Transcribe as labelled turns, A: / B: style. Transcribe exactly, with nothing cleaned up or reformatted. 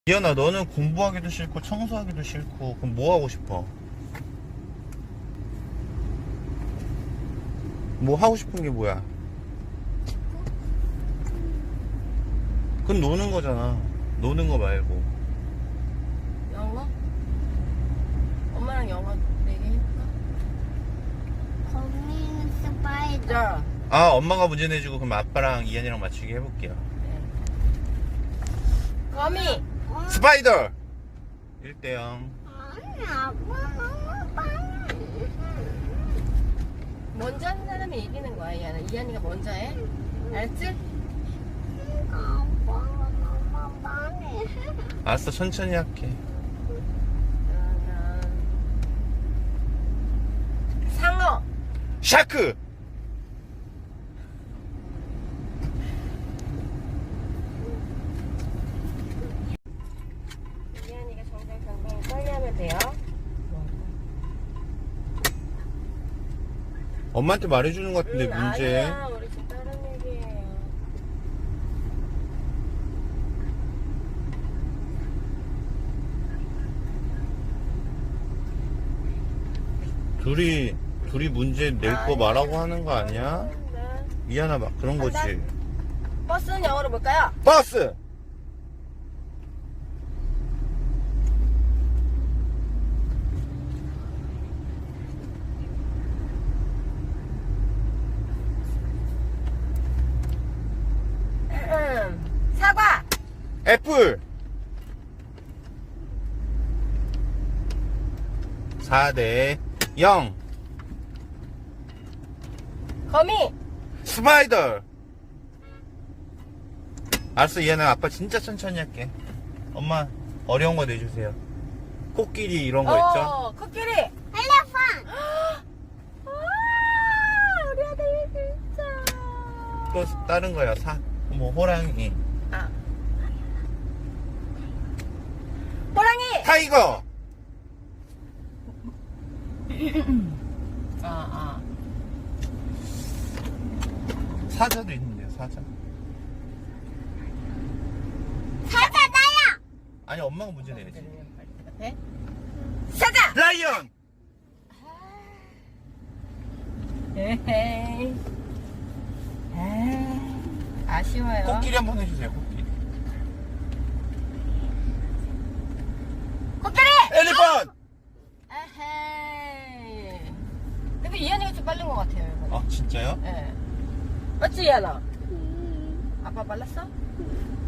A: 이현아, 너는 공부하기도 싫고 청소하기도 싫고 그럼 뭐 하고 싶어? 뭐 하고 싶은 게 뭐야? 그건 노는 거잖아. 노는 거 말고.
B: 영어? 엄마랑 영어 얘기해볼까?
C: 거미는 스파이더.
B: 자,
A: 아, 엄마가 문제 내주고 그럼 아빠랑 이현이랑 맞추기 해볼게요.
B: 거미!
A: 스파이더! 일 대 영.
C: 아니, 아빠 너무 빨라.
B: 먼저 하는 사람이 이기는 거야, 이한아. 이한이가 먼저 해. 알았지?
C: 아빠 너무 빨리.
A: 알았어, 천천히 할게.
B: 그러면 상어!
A: 샤크!
B: 이한이가 정정당당히 빨리 하면 돼요.
A: 엄마한테 말해주는 것 같은데,
B: 음,
A: 문제.
B: 아니야, 우리 지금 다른 얘기예요.
A: 둘이, 둘이 문제 낼 거 말하고 하는 거 아니야?
B: 네.
A: 이현아, 막 그런 거지.
B: 버스는 영어로 뭘까요?
A: 버스!
B: 음, 사과!
A: 애플! 사 대 영.
B: 거미!
A: 스파이더! 알았어, 얘는 아빠 진짜 천천히 할게. 엄마, 어려운 거 내주세요. 코끼리 이런 거 있죠?
B: 어, 코끼리!
C: 엘레펀트.
B: 아, 우리 아들 진짜.
A: 또 다른 거야, 사, 뭐, 호랑이.
B: 아. 호랑이!
A: 타이거!
B: 아, 아.
A: 사자도 있는데요, 사자.
C: 사자 나야.
A: 아니, 엄마가 문제 내야지.
B: 네? 사자!
A: 라이언!
B: 에헤이. 에이. 아쉬워요.
A: 코끼리 한번 해주세요, 코끼리.
B: 코끼리!
A: 엘리펀트!
B: 에헤이. 근데 이한이가 좀 빠른 것 같아요, 이번에.
A: 아, 진짜요?
B: 예. 맞지, 이한아? 아빠 빨랐어?